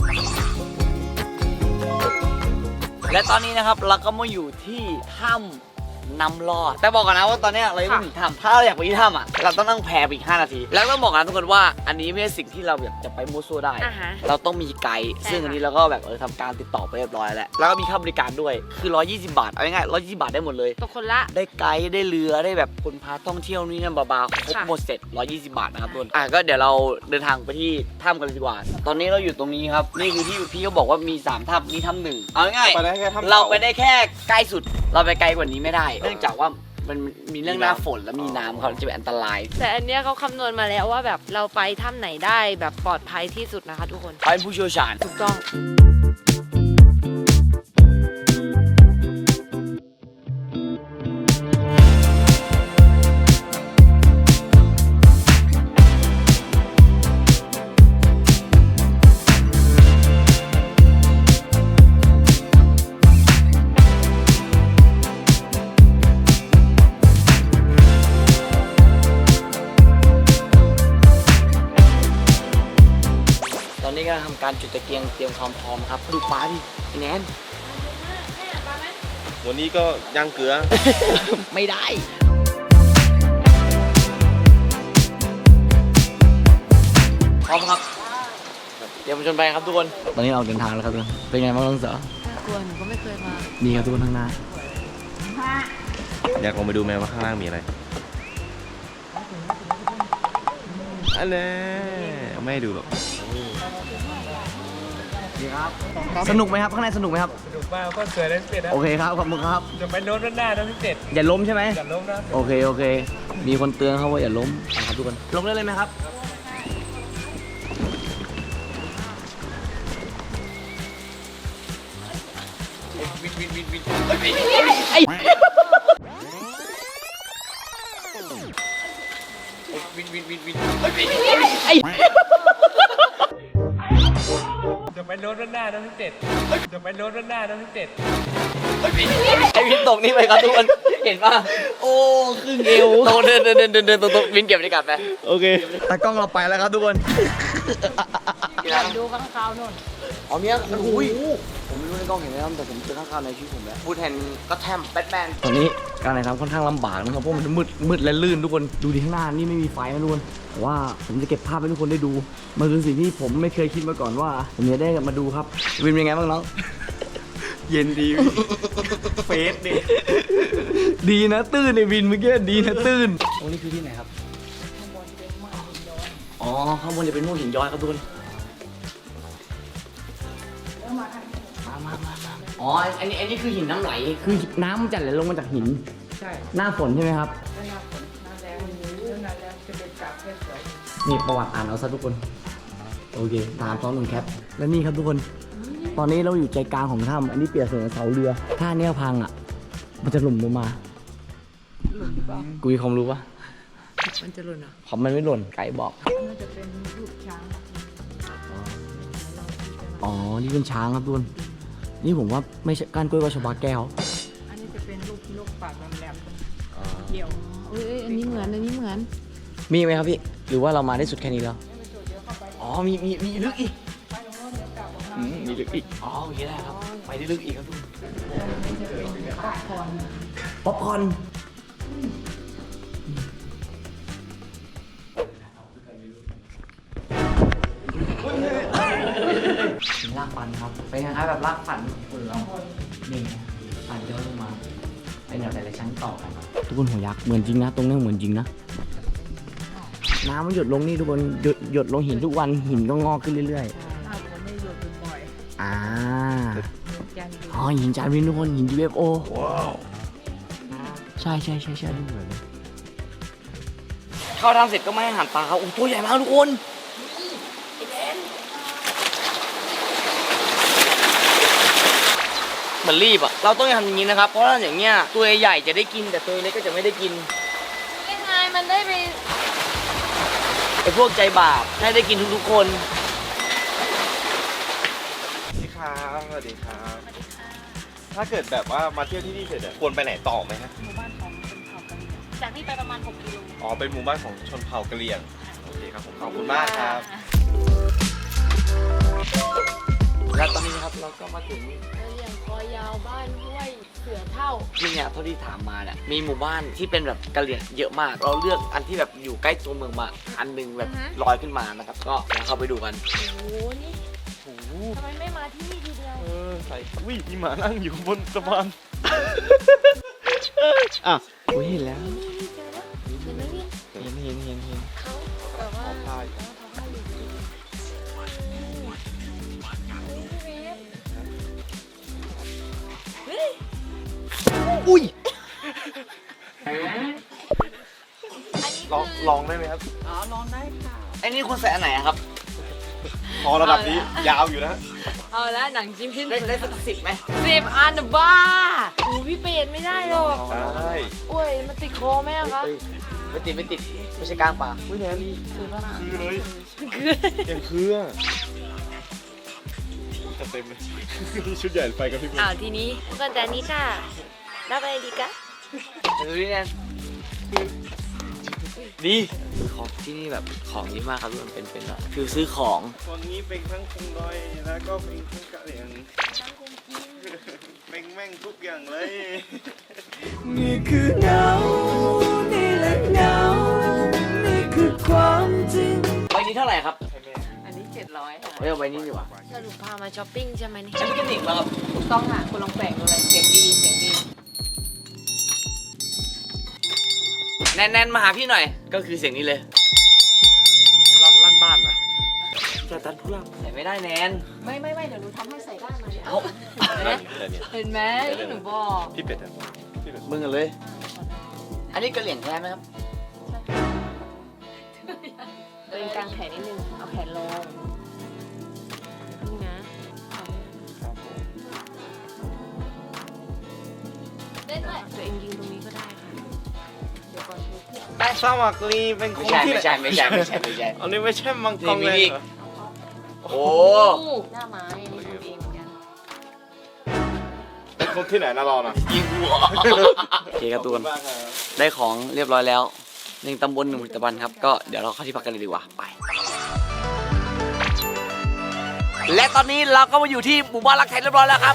Speaker 1: และตอนนี้นะครับเราก็มาอยู่ที่ถ้ำน้ำรอด แต่บอกก่อนนะว่าตอนนี้เรายังไม่ถึงถ้ำถ้าเราอยากไปที่ถ้ำอ่ะเราต้องนั่งแพไปอีกห้านาที แล้วต้องบอกนะทุกคนว่าอันนี้ไม่ใช่สิ่งที่เราแบบจะไปมั่วซั่วได้
Speaker 3: อ่าฮะ
Speaker 1: เราต้องมีไกด์
Speaker 3: ใช่
Speaker 1: ซึ่งอันนี้เราก็แบบเออทำการติดต่อไปเรียบร้อยแล้ว แล้วก็มีค่าบริการด้วยคือร้อยยี่สิบบาทเอาง่ายๆร้อยยี่สิบบาทได้หมดเลย
Speaker 3: ตกคนละ
Speaker 1: ได้ไกด์ได้เรือได้แบบคนพาท่องเที่ยวนี่นั่นบาๆครบ
Speaker 3: ค่ะ
Speaker 1: หมดเสร็จร้อยยี่สิบบาทนะครับทุกคนอ่ะก็เดี๋ยวเราเดินทางไปที่ถ้ำกันเลยดีกว่า ตอนนี้เราอยู่ตรงนี้ครับนี่คือที่พี่เขาบอกว่ามีสามถ้ำนี่ถ้ำหนึ่งเอาง่าย
Speaker 7: ไปได้แค่ถ้ำ
Speaker 1: ๆเราไปได้แค่ใกล้สุด เราไปไกลกว่านี้ไม่ได้ เนื่องจากว่ามันมีเรื่องหน้าฝนและมีน้ำเขาจะเป็นอันตราย
Speaker 3: แต่อันเนี้ยเขาคำนวณมาแล้วว่าแบบเราไปถ้ำไหนได้แบบปลอดภัยที่สุดนะคะทุกคน
Speaker 1: เขาเป็นผู้เชี่ยวชาญ
Speaker 3: ถูกต้อง
Speaker 1: ตอนนี้กำลังทำการจุดตะเกียงเตรียมความพร้อมครับดูปลาดิไอ้แนน
Speaker 7: วันนี้ก็ย่างเกลือ
Speaker 1: ไม่ได้ พร้อมครับ เดี๋ยวมาชนไปครับทุกคน ตอนนี้เราเดินทางแล้วครับทุกคน เป็นไงบ้างน้องเสือ
Speaker 3: น่ากลัวหนูก็ไม่เคยมา
Speaker 1: นี่ครับทุกคนข้างหน้า
Speaker 7: อยากลองไปดูไหมว่าข้างล่างมีอะไรอันนี้ไม่ให้ดูหรอก
Speaker 1: ดีครับ สนุกไหมครับ ข้างในสนุกไหมครับ
Speaker 9: สนุกมากก็สวยได้เป็ดนะ
Speaker 1: โอเคครับ ขอบคุณครับ
Speaker 9: จะไปโน้ตด้านหน้านะพี่เป็ด
Speaker 1: อย่าล้มใช่ไหม
Speaker 9: อย่าล้มนะ
Speaker 1: โอเค โอเค มีคนเตือนเขาว่าอย่าล้มนะครับทุกคน ลงได้เลยไหมครับ
Speaker 9: วินวินวินวิน
Speaker 1: ไอ้
Speaker 9: วินวินวินวิน
Speaker 1: ไอ้
Speaker 9: จะไปโน้ตด้านหน้านะพี่เป็ดจะไปโน้ตด้านหน้านะพี่เป็ด
Speaker 1: ไอ้วินตกนี่ไปครับทุกคน เห็นป่ะ โอ้ครึ่งเอวตกเดินเดินเดินเดินเดินตกวินเก็บบรรยากาศไป โอเคตากล้องเราไปแล้วครับทุกคน
Speaker 5: ดูข้างคาวนู่น
Speaker 1: อ๋อเนี่ยโอ้ยผมไม่รู้ในกล้องเห็นไหมครับแต่ผมเจอข้างๆในชีวิตผมแล้วพูดแทนก็แทมแบทแมนตอนนี้การถ่ายทำค่อนข้างลำบากนะครับเพราะมันมืดมืดและลื่นทุกคนดูที่ข้างหน้านี่ไม่มีไฟนะทุกคนแต่ว่าผมจะเก็บภาพให้ทุกคนได้ดูมันคือสิ่งที่ผมไม่เคยคิดมาก่อนว่า ผมจะได้มาดูครับวินเป็นไงบ้างน้อง
Speaker 2: เย็นดีเฟสดิ
Speaker 1: ดีนะตื้นในวินเมื่อกี้ดีนะตื้นโอ้นี่คือที่ไหนครับอ๋อข้างบนจะเป็นม่วงหินย้อยครับทุกคนมามามามาอ๋ออันนี้อันนี้คือหินน้ำไหลคือน้ำมันจะไหลลงมาจากหิน
Speaker 5: ใช่
Speaker 1: หน้าฝนใช่ไหมครับ
Speaker 5: หน้าฝนหน้าแรงหน้าแรงจะเป็นกาบเพชรสวย
Speaker 1: นี่ประวัติอ่านเอาซะทุกคนโอเคตามซ้อนหนึ่งแคปและนี่ครับทุกคน ตอนนี้เราอยู่ใจกลางของถ้ำอันนี้เปรียบเสมือนเสาเรือถ้าเนี้ยพังอ่ะมันจะหล่นลงมากูมีความรู้ปะ
Speaker 3: มันจะหล่นอ่ะ
Speaker 1: ผมมันไม่หล่นไก่บอก
Speaker 5: น่าจะเป็นรูปช้าง
Speaker 1: อ๋อ นี่เป็นช้างครับทุกคน นี่ผมว่าไม่ใช่ก้านกล้วยว่าชบาแก้ว
Speaker 5: อันนี้จะเป็นรูปนกปากแหลมๆเดี่ยว
Speaker 3: เอ้ยอันนี้เหมือนอันนี้เหมือน
Speaker 1: มีไหมครับพี่ หรือว่าเรามาได้สุดแค่นี้แล้ว อ๋อ มี มี มีลึกอีกอืมมีลึกอีก อ๋อโอเคได้ครับ ไปได้ลึกอีกครับทุกคนป๊อปคอร์นลากฟันครับ เป็นคล้ายๆแบบลากฟันคนเรานี่ฟันย้อนลงมา เป็นแบบหลายๆชั้นต่อกัน ทุกคนหัวยักษ์เหมือนจริงนะ ตรงนี้เหมือนจริงนะ น้ำมันหยดลงนี่ทุกคนหยดหยดลงหินทุกวันหินก็งอกขึ้นเรื่อย
Speaker 5: ถ้าผมไม่หยุดบ่อย
Speaker 1: ๆ อ่า
Speaker 5: ๆยันดู
Speaker 1: อ๋อหินจานวินทุกคนหิน ยู เอฟ โอ ใช่ใช่ใช่ใช่ดูเหมือนเลยเข้าทำเสร็จก็ไม่ให้อาหารปลาครับโอ้ตัวใหญ่มากทุกคนเหมือนรีบอ่ะเราต้องทำอย่างนี้นะครับเพราะว่าอย่างเงี้ยตัวใหญ่จะได้กินแต่ตัวเล็กก็จะไม่ได้กิน
Speaker 3: ยังไงมันได้ไป
Speaker 1: ไอ้พวกใจบาปให้ได้กินทุกๆคน
Speaker 2: สวัสดีครับสวัสดีครับ ถ้าเกิดแบบว่ามาเที่ยวที่นี่เสร็จอะควรไปไหนต่อไหมฮะ
Speaker 10: หมู่บ้านของชนเผ่ากะเหรี่ยงจากนี่ไปประมาณหกกิโล
Speaker 2: อ๋อ เป็นหมู่บ้านของชนเผ่ากะเหรี่ยง โอเคครับผม ขอบคุณมากครับ
Speaker 1: และตอนนี้นะครับเราก็มาถึง
Speaker 3: กะเหรี่ยงคอยาวบ้านห้วยเสือเท่า
Speaker 1: ที่เนี่ยเท่าที่ถามมาเนี่ยมีหมู่บ้านที่เป็นแบบกะเหรี่ยงเยอะมาก เราเลือกอันที่แบบอยู่ใกล้ตัวเมืองมาอันหนึงแบบ
Speaker 3: อือฮะ
Speaker 1: ลอยขึ้นมานะครับก็เดี๋ยวเข้าไปดูกัน
Speaker 3: โอ้โห นี่ทำไมไม่มาที่นี่ทีเดียว
Speaker 2: เออใส่วิ่งมีหมานั่งอยู่บนสะพาน
Speaker 1: อ่ะอุ้ยเห็นแล้ว
Speaker 3: นี่นี่เจอแล้วเห็นไหมนี่
Speaker 1: เห็นเห็นเห็นเห็น
Speaker 3: เขาแบบว่า
Speaker 2: ขอพาย
Speaker 3: เขาทำให้อยู่ดีเฮ้ย
Speaker 1: อุ้ย
Speaker 2: ลองลองได้ไหมครับ
Speaker 5: อ๋อลองได้ค่ะ
Speaker 1: ไอ้นี่คนใส่อันไหนอะครับ
Speaker 2: พอระดับนี้ยาวอยู่นะ
Speaker 3: เอาละหนังจิ้มพิ้น
Speaker 1: ได้ได้สักสิบไหม
Speaker 3: สิบอันบ้าโอ้พี่เปรตไม่ได้หรอก
Speaker 2: ได้
Speaker 3: อุ้ยมันติดคอไหมอะคะ
Speaker 1: เอ้ยไม่ติดไม่ติดไม่ใช่กลางป่า
Speaker 2: อุ้ยแนน
Speaker 3: คือป่ะนะ
Speaker 2: คือเลย
Speaker 3: คือ
Speaker 2: ยังคืออะจะเต็มเลย ชุดใหญ่ไปกับพี่บุ๊ค
Speaker 3: อ้าวทีนี้ก็แต่นี้ค่ะรับอะไรดีกะ
Speaker 1: ดูดิแนนดีของที่นี่แบบของดีมากครับทุกคนเป็นเป็นแบบคือซื้อของ
Speaker 2: คนนี้เป็นทั้งคงดอยแล้วก็เป็นทั้งกะเหรี่ยงเป็นแม่งทุกอย่างเลย
Speaker 8: นี่คือเงา นี่แหละเงา นี่คือความจริง
Speaker 1: ใบนี้เท่าไหร่ครับ
Speaker 3: อันนี้เจ็ดร้อยค่ะ
Speaker 1: เฮ้ยเอาใบนี้ดีกว่า
Speaker 3: สรุปพามาช้อปปิ้งใช่ไหมนี่
Speaker 1: ใช้พิกนิกแล้วครับ
Speaker 3: ถูกต้องค่ะคุณลองแปลงดูเลยเสียงดีเสียงดี
Speaker 1: แนนแนนมาหาพี่หน่อย ก็คือเสียงนี้เลย
Speaker 2: ลั่นลั่นบ้านอ่ะ
Speaker 1: ใช่
Speaker 2: แต่ตันผู้ล่
Speaker 1: ใส่ไม่ได้แนน
Speaker 10: ไม่ไม่ไม่เดี๋ยวหนูทำให้ใส่ได้มาเนี่ย
Speaker 1: เอา
Speaker 2: ำแต่เนี่ย
Speaker 3: เห็นไหมที่หนูบอก
Speaker 2: พี่เป็ดอะพี่เป็ด
Speaker 1: มึงกันเลย อันนี้กระเหลี่ยงแท้ไหมครับ
Speaker 3: ตัวเองกางแขนนิดนึง เอาแขนลงพึ่งนะ
Speaker 2: ครับผม
Speaker 10: เล่นด้วย
Speaker 3: ตัวเองยืนตรงนี้ก็ได้ค่ะ เดี๋ยวก่อนทุก
Speaker 7: แต่สมัครลีเป็นค
Speaker 1: ไม่
Speaker 7: น
Speaker 1: ใช่
Speaker 7: ที่
Speaker 1: ไม่ใช่ไม่ใช่ไม่ใช่ไม่ใช่
Speaker 7: อันนี้ไม่ใช่มังกร
Speaker 1: นี่มี
Speaker 7: เลย
Speaker 1: อีก
Speaker 7: เหรอ
Speaker 1: โอ้
Speaker 10: หน้าไม้อันนี้ทำเองเหมือนกัน
Speaker 7: เป็นคนที่ไหนนะเรานะ
Speaker 1: ยิงหัวโอเคครับทุกคน
Speaker 7: ขอบณมากครับ
Speaker 1: ได้ของเรียบร้อยแล้วหนึ่งตำบลหนึ่งผลิตภัณฑ์ครับ ก็เดี๋ยวเราเข้าที่พักกันเลยดีกว่า ไป และตอนนี้เราก็มาอยู่ที่หมู่บ้านรักไทยเรียบร้อยแล้วครับ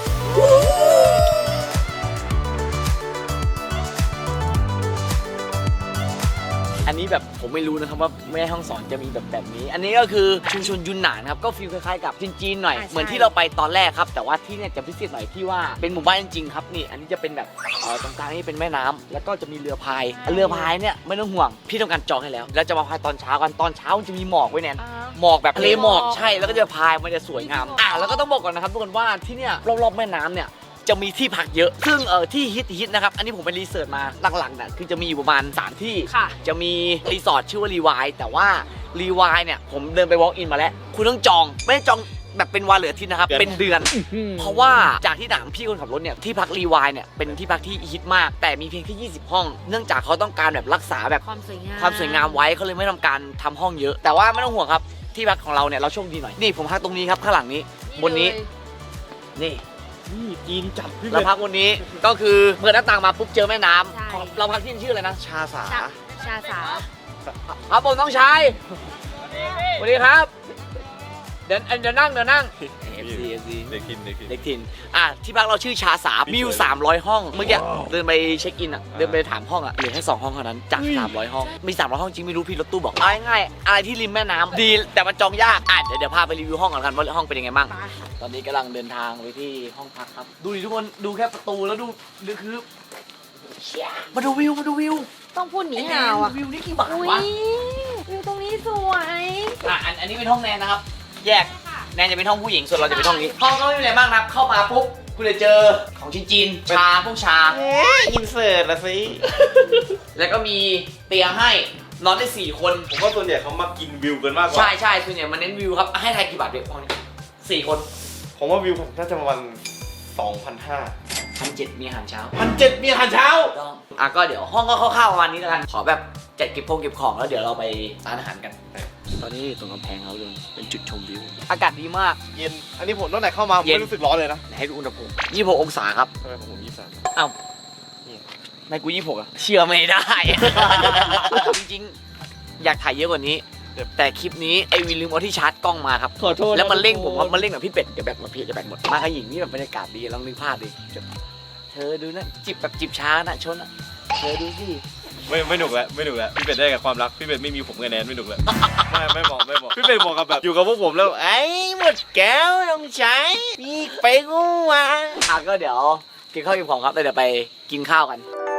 Speaker 1: อันนี้แบบผมไม่รู้นะครับว่าแม่ห้องสอนจะมีแบบแบบนี้ อันนี้ก็คือชุมชนยุนหนานครับก็ฟีลคล้ายๆกับจีนๆหน่อย
Speaker 3: อ่าใช่
Speaker 1: เหมือนที่เราไปตอนแรกครับ แต่ว่าที่เนี่ยจะพิเศษหน่อยที่ว่าเป็นหมู่บ้านจริงๆครับนี่อันนี้จะเป็นแบบเอ่อตรงกลางนี่เป็นแม่น้ำแล้วก็จะมีเรือพายเรือพายเนี่ยไม่ต้องห่วงพี่ต้องการจองให้แล้วแล้วจะมาพายตอนเช้ากันตอนเช้ามันจะมีหมอกไว้แนน หมอกแบบทะเลหมอกใช่แล้วก็จะพายมันจะสวยงามอ่ะแล้วก็ต้องบอกก่อนนะครับทุกคนว่าที่เนี่ยรอบๆแม่น้ำเนี่ยจะมีที่พักเยอะ ซึ่งเออที่ฮิตฮิตนะครับอันนี้ผมไปรีเสิร์ชมาหลักๆเนี่ยคือจะมีอยู่ประมาณสามที่
Speaker 3: ค่ะ
Speaker 1: จะมีรีสอร์ทชื่อว่ารีวายแต่ว่ารีวายเนี่ยผมเดินไป walk in มาแล้ว คุณต้องจองไม่ได้จองแบบเป็นวันเหลืออาทิตย์นะครับเป็นเดือน เพราะว่าจากที่ถามพี่คนขับรถเนี่ยที่พักรีวายเนี่ยเป็นที่พักที่ฮิตมาก แต่มีเพียงแค่ยี่สิบห้อง เนื่องจากเขาต้องการแบบรักษาแบบ
Speaker 3: ความสวยงาม
Speaker 1: ความสวยงามไว้เขาเลยไม่ทำการทำห้องเยอะ แต่ว่าไม่ต้องห่วงครับที่พักของเราเนี่ยเราโชคดีหน่อยนี่ผมพักตรงนี้ครับข้างหลังนี้บนนี้นี่
Speaker 2: นี่จีนจัดพี่
Speaker 1: เรา
Speaker 2: เป็ด
Speaker 1: พักบนนี้ก็คือเปิดหน้าต่างมาปุ๊บเจอแม่น้
Speaker 3: ใช่
Speaker 1: ำเราพักที่ชื่ออะไรนะ
Speaker 7: ชาสา
Speaker 3: ชาชาสา
Speaker 1: ครับผมต้องใช้สวัสดีครับเดี๋ยวเดี๋ยวนั่งเดี๋ยวนั่ง เอฟ ซี เอฟ ซี
Speaker 2: เด็กทินเด็กทิน
Speaker 1: เด็กถิ่นอ่ะที่พักเราชื่อชาสามีอยู่สามร้อยห้องเมื่อกี้เดินไปเช็คอินอ่ะเดินไปถามห้องอ่ะเหลือแค่สองห้องเท่านั้นจากสามร้อยห้องมีสามร้อยห้องจริงไม่รู้พี่รถตู้บอกเอาง่ายๆอะไรที่ริมแม่น้ำดีแต่มันจองยากอ่ะเดี๋ยวเดี๋ยวพาไปรีวิวห้องก่อนกันว่าห้องเป็นยังไงบ้าง
Speaker 3: ไป
Speaker 1: ตอนนี้กำลังเดินทางไปที่ห้องพักครับ ดูดิทุกคนดูแค่ประตูแล้วดูดูคือเชี่ยมาดูวิวมาดูวิว
Speaker 3: ต้องพูดหนีห่าวอ่ะ
Speaker 1: วิวนี่กี่บาท
Speaker 3: อุ้
Speaker 1: วะ
Speaker 3: ยวิวตรงนี้สวย
Speaker 1: อ่ะอันอันนี้เป็นห้องแนนนะครับ แยกแนนจะเป็นห้องผู้หญิงส่วนเราจะเป็นห้องนี้ ห้องก็ไม่มีอะไรมากนะครับเข้ามาปุ๊บคุณจะเจอของจีนๆชาพวกชา
Speaker 7: เอ๊ะอินเสิร์ตละสิ
Speaker 1: แล้วก็มีเตียงให้นอนได้สี่คน
Speaker 2: ผมว่าส่วนใหญ่เขามากินวิวกันมากกว่า
Speaker 1: ใช่ใช่ส่วนใหญ่มันเน้นวิวครับให้ทายกี่บาทเด็กห้องนี้สี่คน
Speaker 2: ผมว่าวิวผมน่าจะประมาณสองพันห้า
Speaker 1: พันเจ็ดมีอาหารเช้า
Speaker 7: พันเจ็ดมีอาหารเช้า
Speaker 1: ต้องอ่ะก็เดี๋ยวห้องก็คร่าวๆประมาณนี้แล้วกัน ขอแบบจัดเก็บพงเก็บของแล้วเดี๋ยวเราไปร้านอาหารกัน ตอนนี้ตรงกำแพงเขาเลยเป็นจุดชมวิว อากาศดีมาก
Speaker 7: เย็น อันนี้ผมตั้งแต่เข้ามาผม
Speaker 1: เย็น
Speaker 7: ไม่รู้สึกร้อนเลยนะ
Speaker 1: ให้ดูอุณหภูมิยี่สิบหกองศาครับ
Speaker 2: ทำไมผมยี่สิบสาม
Speaker 1: อ้าวไม่กูยี่สิบหกอะเชื่อไม่ได้ จริงๆ อยากถ่ายเยอะกว่านี้ แต่คลิปนี้ไอวินลืมเอาที่ชาร์จกล้องมาครับ
Speaker 7: ขอโทษ
Speaker 1: แล้วมันเร่งผมครับมันเร่งแบบพี่เป็ดเดี๋ยวแบตหมดพี่เดี๋ยวแบตหมด มาขยิงนี่แบบบรรยากาศดีลองนึกภาพดิเธอดูนะจิบแบบจิบช้านะชนอะเธอดูสิ
Speaker 2: ไม่ไม่หนุกแล้วไม่หนุกแล้วพี่เป็ดได้กับความรักพี่เป็ดไม่มีผมกับแนนไม่หนุกแล้วไม่ไม่บอกไม่บอกพี่เป็ดบอกกับแบบอยู่กับพวกผมแล้ว
Speaker 7: ไอ้หมดแก้วต้องใช้มีไปกูมา
Speaker 1: อ่ะก็เดี๋ยวกินข้าวกินของครับแล้วเดี๋ยวไปกินข้าวกัน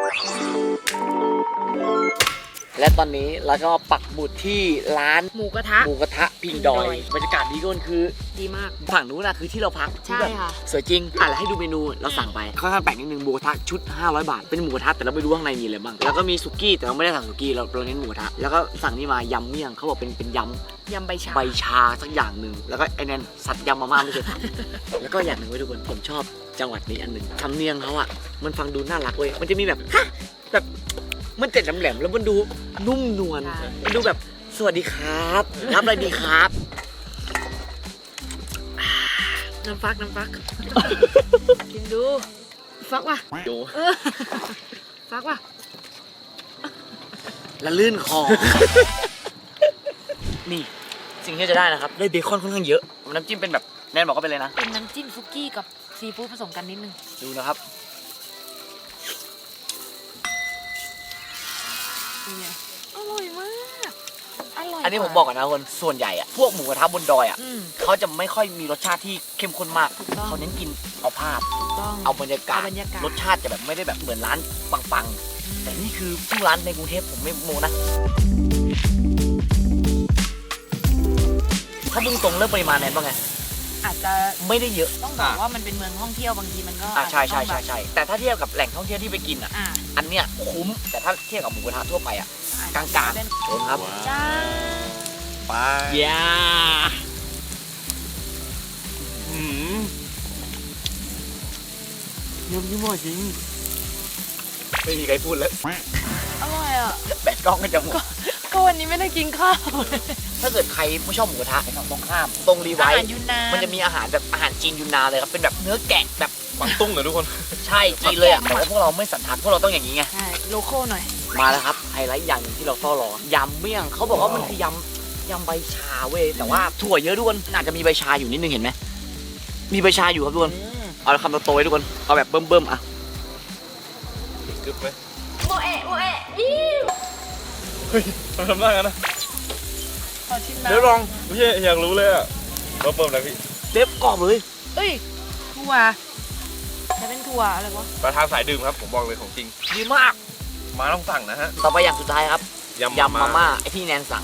Speaker 1: และตอนนี้เราก็ปักหมุดที่ร้าน
Speaker 3: หมูกระทะ
Speaker 1: หมูกระทะพิงดอยบรรยากาศดีก็คือ
Speaker 3: ดีมาก
Speaker 1: ฝั่งนู้นนะคือที่เราพัก
Speaker 3: ใช่
Speaker 1: ที่แบบ
Speaker 3: ค่ะ
Speaker 1: สวยจริงอ่ะแล้วให้ดูเมนูเราสั่งไปค่อนข้างแปลกนิดนึงหมูกระทะชุดห้าร้อยบาทเป็นหมูกระทะแต่เราไม่รู้ข้างในมีอะไรบ้างแล้วก็มีสุกี้แต่เราไม่ได้สั่งสุกี้เราเราเน้นหมูกระทะแล้วก็สั่งนี่มายำเมี่ยงเขาบอกเป็นเป็นยำ
Speaker 3: ยำใบชา
Speaker 1: ใบชาสักอย่างหนึ่งแล้วก็ไอ้นั่นสัตว์ยำมาม่าไม่เคยทำ แล้วก็อย่างหนึ่งไว้ทุกคนผมชอบจังหวัดนี้อันหนึ่งทำเนียงเขาอ่ะมันฟังดูน่ารักเว้ยมันจะมีแบบฮะแบบมันเจ็ดแหลมๆแล้วมันดูนุ่มนวลมันดูแบบสวัสดีครับรับอะไรดีครับ
Speaker 3: น้ำฟักน้ำฟัก กินดู ฟักว่ะ
Speaker 1: ดู
Speaker 3: เออฟักว่ะ
Speaker 1: และลื่นคอ นี่สิ่งที่จะได้นะครับได้เบคอนค่อนข้างเยอะน้ำจิ้มเป็นแบบแนนบอกก็เป็นเลยนะ
Speaker 3: เป็นน้ำจิ้มซุกี้กับซีฟู้ดผสมกันนิดนึง
Speaker 1: ดูนะครับ
Speaker 3: เป็นไงอร่อยมาก อร่อย
Speaker 1: อันนี้ผมบอกก่อนนะคนส่วนใหญ่อะพวกหมูกระทะบนดอยอะ
Speaker 3: อืม
Speaker 1: เขาจะไม่ค่อยมีรสชาติที่เข้มข้นมาก
Speaker 3: ถูกต้อง
Speaker 1: เขาเน้นกินเอาภาพ
Speaker 3: ถูกต้อง
Speaker 1: เอาบรรยากาศ
Speaker 3: เอาบรรยากาศ
Speaker 1: รสชาติจะแบบไม่ได้แบบเหมือนร้านปังๆ แต่นี่คือทุกร้านในกรุงเทพผมไม่โมนะถ้ามุ่งตรงเรื่องปริมาณแนนบ้างไง
Speaker 3: อาจจะ
Speaker 1: ไม่ได้เยอะ
Speaker 3: ต้องบอกว่ามันเป็นเมืองท่องเที่ยวบางทีมันก็
Speaker 1: อ่าใช่ใช่
Speaker 3: อาจจะ
Speaker 1: ใช่
Speaker 3: ต้องแบบ
Speaker 1: ใช่แต่ถ้าเทียบกับแหล่งท่องเที่ยวที่ไปกินอ่ะ
Speaker 3: อ่า
Speaker 1: อันเนี้ยคุ้มแต่ถ้าเทียบกับหมูกระทะทั่วไปอ่ะ
Speaker 3: อ่
Speaker 1: กลางๆ
Speaker 3: เป็น
Speaker 1: โดนครับ
Speaker 3: จ้า
Speaker 2: ไป
Speaker 1: ยา
Speaker 2: อืม
Speaker 1: เยี่ยมยิ่งหมดจริงไม่มีใครพูดแล้ว
Speaker 3: อร่อยอ่ะ
Speaker 1: แบตกล้องก็จะหมด
Speaker 3: ก็วันนี้ไม่ได้กินข้าว
Speaker 1: ถ้าเกิดใครไม่ชอบหมูกระทะไปฝั่งตรงข้ามตรงรีไว
Speaker 3: อา
Speaker 1: ท์
Speaker 3: หารยูนนาน
Speaker 1: มันจะมีอาหารแบบอาหารจีนยูนนานเลยครับเป็นแบบเนื้อแกะแบบ
Speaker 2: กวางตุ้งเหรอทุกคน
Speaker 1: ใช่จีนเลยอ่ะแต่ว่าพวกเราไม่สันทัดพวกเราต้องอย่างนี้ไง
Speaker 3: ใช่โลโก้หน่อย
Speaker 1: มาแล้วครับไฮไลท์อย่างหนึ่งที่เราเฝ้ารอยำเมี่ยงเขาบอกว่ามันคือยำยำใบชาเว้ยแต่ว่าถั่วเยอะทุกคนอาจจะมีใบชาอยู่นิดนึงเห็นไหมมีใบชาอยู่ครับทุกคนเอาคำโตๆไว้ทุกคนเอาแบบเบิ่มๆอ่ะ
Speaker 2: กึบไหม
Speaker 3: โมเอะโมเอะอิ้ว
Speaker 2: เฮ้ยทำได้กันนะ
Speaker 3: ขอชิมนะ
Speaker 2: เดี๋ยวลองไม่ใช่อยากรู้เลยอ่ะเราเปิดแล้วพี่
Speaker 1: เล็บกรอบเลย
Speaker 3: เอ้ยถั่วจะเป็นถั่วอะไรวะ
Speaker 2: ประธานสายดื่มครับผมบอกเลยของจริง
Speaker 1: ดีมาก
Speaker 2: มาต้องสั่งนะฮะ
Speaker 1: ต่อไปอย่างสุดท้ายครับ
Speaker 2: ยำ
Speaker 1: ยำมาม่าไอที่แนนสั่ง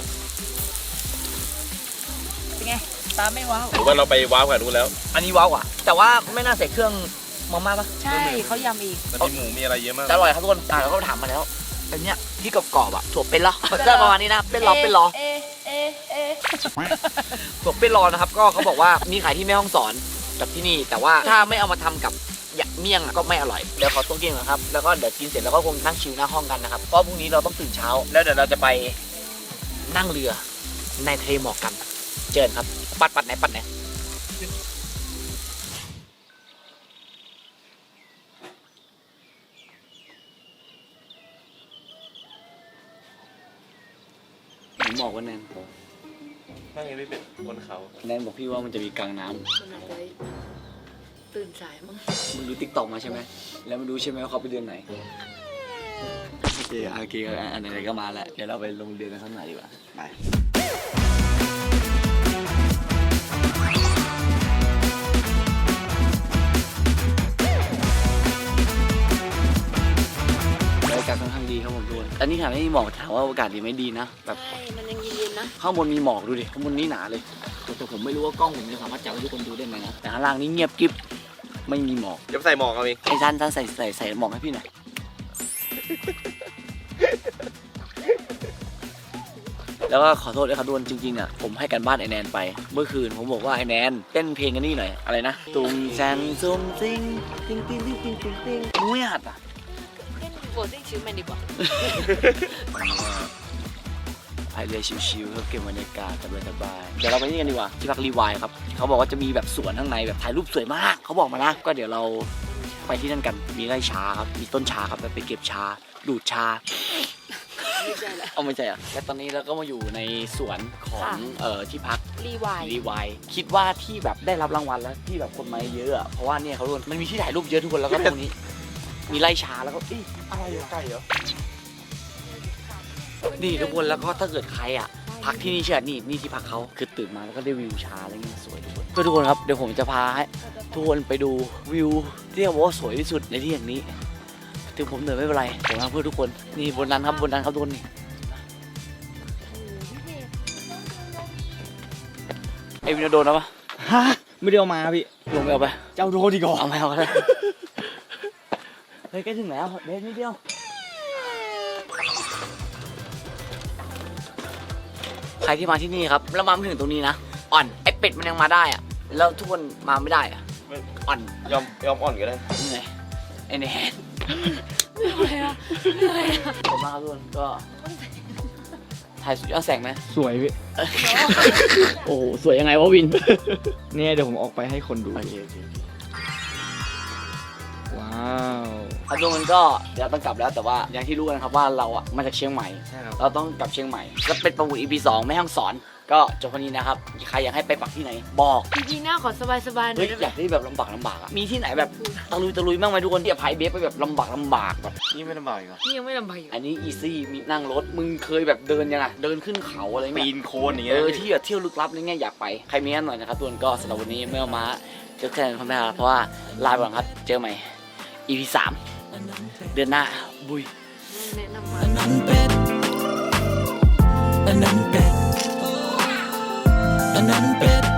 Speaker 3: เป็นไงตามไม่ว้าว
Speaker 2: หรือว่าเราไปว้าวกันรู้นแล้ว
Speaker 1: อันนี้ว้าวอ่ะแต่ว่าไม่น่าใส่เครื่องมาม่าปะ
Speaker 3: ใช่เขายำอีก
Speaker 2: มันมีหมูมีอะไรเยอะมาก
Speaker 1: แต่อร่อยครับทุกคนอ่าเราก็ถามมาแล้วอันเนี้ยที่กรอบๆอ่ะถั่วเป็นล้อได้ประมาณนี้นะเป็นล้อเป็นล้อ
Speaker 3: เอเอเอ
Speaker 1: ถั่วเป็นล้อนะครับก็เขาบอกว่ามีขายที่แม่ฮ่องสอนกับที่นี่ แต่ว่าถ้าไม่เอามาทำกับยำเมี่ยงอะก็ไม่อร่อยเดี๋ยวขอตัวกินก่อนครับแล้วก็เดี๋ยวกินเสร็จแล้วก็คงนั่งชิลหน้าห้องกันนะครับเพราะพรุ่งนี้เราต้องตื่นเช้า แล้วเดี๋ยวเราจะไปนั่งเรือในทะเลหมอกกันเจอกันครับปัดปัดไหนปัดไหนหมอกวันนั้น
Speaker 2: นั่งยังไม่เป็นบนเขา
Speaker 1: แนนบอกพี่ว่ามันจะมีกลางน้ำ
Speaker 10: มันอาจจะตื่นสายมั้ง
Speaker 1: มึงดูติ๊กต็อกมาใช่ไหม แล้วมึงดูใช่ไหมว่าเขาไปเดือนไหน โอเคโอเคอันไหนก็มาแล้ว เดี๋ยวเราไปลงเดือนกันสักหน่อยดีกว่า ไปบรรยากาศค่อนข้างดีครับผมทุกคนอันนี้ถามไม่มีหมอกถามว่าอากาศดีไหมดีนะ แบบ
Speaker 10: ใช่ มันยังเย็นๆนะ
Speaker 1: ข้างบนมีหมอกดูดิ ข้างบนนี่หนาเลย แต่ผมไม่รู้ว่ากล้องผมจะสามารถจับให้ทุกคนดูได้ไหมนะ แต่ข้างล่างนี่เงียบกริบ ไม่มีหมอก
Speaker 2: เดี๋ยวใส่หมอกเอาเอง
Speaker 1: ไอ้ท่านท่านใส่ใส่ใส่หมอกให้พี่หน่อย แล้วก็ขอโทษด้วยครับทุกคนจริงๆอ่ะผมให้กันบ้านไอแนนไป เมื่อคืนผมบอกว่าไอแนนเต้นเพลงกันนี่หน่อยอะไรนะตุ้งแซนซุ่มซิงติงติงติงติงติงติงมึงไม่หัดอ่ะ
Speaker 10: เล่นโบลิ่งชิวแมนดีกว่า
Speaker 1: พายเรือชิวๆครับเก็บบรรยากาศสบายๆเดี๋ยวเราไปนี่กันดีกว่าที่พักรีวายครับเขาบอกว่าจะมีแบบสวนข้างในแบบถ่ายรูปสวยมากเขาบอกมานะก็เดี๋ยวเราไปที่นั่นกันมีไร่ชาครับมีต้นชาครับไปเก็บชาดูดชา
Speaker 10: ไม่ใช่แล้ว
Speaker 1: เอาไม่ใช่อ่ะและตอนนี้เราก็มาอยู่ในสวนของเอ่อที่พัก
Speaker 3: รีวาย
Speaker 1: รีวายคิดว่าที่แบบได้รับรางวัลแล้วที่แบบคนมาเยอะอ่ะเพราะว่าเนี่ยเขาโดนมันมีที่ถ่ายรูปเยอะทุกคนแล้วก็ตรงนี้ มีไร่ชาแล้วก็อีอะไรอยู่ใกล้เหรอนี่ทุกคนแล้วก็ถ้าเกิดใครอ่ะพักที่นี่เชื่อนี่นี่ที่พักเขาคือตื่นมาแล้วก็ได้วิวชาอะไรเงี้ยสวยทุกคนเพื่อทุกคนครับเดี๋ยวผมจะพาให้ทุกคนไปดูวิวที่เขาบอกว่าสวยที่สุดในที่แห่งนี้ถึงผมเหนื่อยไม่เป็นไรผมทำเพื่อทุกคนนี่บนนั้นครับบนนั้นครับทุกคนนี่ไอวินโดนแล้วปะ
Speaker 9: ฮะ ไม่ได้เอามาพี่
Speaker 1: ลงไปเอาไป
Speaker 9: เจ้าโดนดีกว่า
Speaker 1: เอาไปเอาไปเลยเฮ้ยใกล้ถึงแล้วเด็นิดเดียวใครที่มาที่นี่ครับแล้วมาไม่ถึงตรงนี้นะอ่อนไอเป็ดมันยังมาได้อะแล้วทุกคนมาไม่ได้อะอ่อน
Speaker 2: ยอมยอมอ่อนก็ได้
Speaker 1: เหนื่อยไอแนน
Speaker 3: เหนื่อยอะเหนื่อยอะ
Speaker 1: ขอบคุณมากครับทุกคนก็ถ่ายสุดยอดแสงไหม
Speaker 9: สวยพี่
Speaker 1: โอ้โหสวยยังไงวะวิน
Speaker 9: เนี่ยเดี๋ยวผมออกไปให้คนดู
Speaker 1: โอเคโอเค
Speaker 9: ว้าว
Speaker 1: ครับทุกคนก็เดี๋ยวต้องกลับแล้วแต่ว่าอย่างที่รู้กันครับว่าเราอะมาจากเชียงใหม่
Speaker 9: ใช่ครับ
Speaker 1: เราต้องกลับเชียงใหม่ก็เป็นประมูล อี พี สองแม่ฮ่องสอนก็จบวันนี้นะครับใครอยากให้ไปปักที่ไหนบอก
Speaker 3: จริงๆหน้าขอสบายๆหน่
Speaker 1: เฮ้
Speaker 3: อย ยได้ไห
Speaker 1: อ
Speaker 3: ม
Speaker 1: ยากได้แบบลำบากลำบากอะมีที่ไหนแบบตะลุยตะลุยบ้างไหมทุกคนที่จะพายเบฟไปแบบลำบากลำบากแบบ
Speaker 2: นี่ไม่ลำบากอีกเหรอ
Speaker 3: นี่ยังไม่ลำบากอยู่
Speaker 1: อันนี้อีซี่มีนั่งรถมึงเคยแบบเดินยังไงเดินขึ้นเขาอะไร
Speaker 2: ปี
Speaker 1: เงี้ย
Speaker 2: นโคนอย่างเงี้
Speaker 1: เอย อที่แบบเที่ยวลึกลับอะไรเงี้ยอยากไปใครมีอันหน่อยนะครับทุกคนก็สำหรับวันนี้เมื่อมาเจอแค่นั้นพอแล้วเพราะว่าลาไปก่อนครับเจอใหม่ อี พี สามเดือนหน้าบุย
Speaker 3: แนะนำมา
Speaker 8: อันนั้นเป็ดอันนั้นเป็ดอันนั้นเป็ด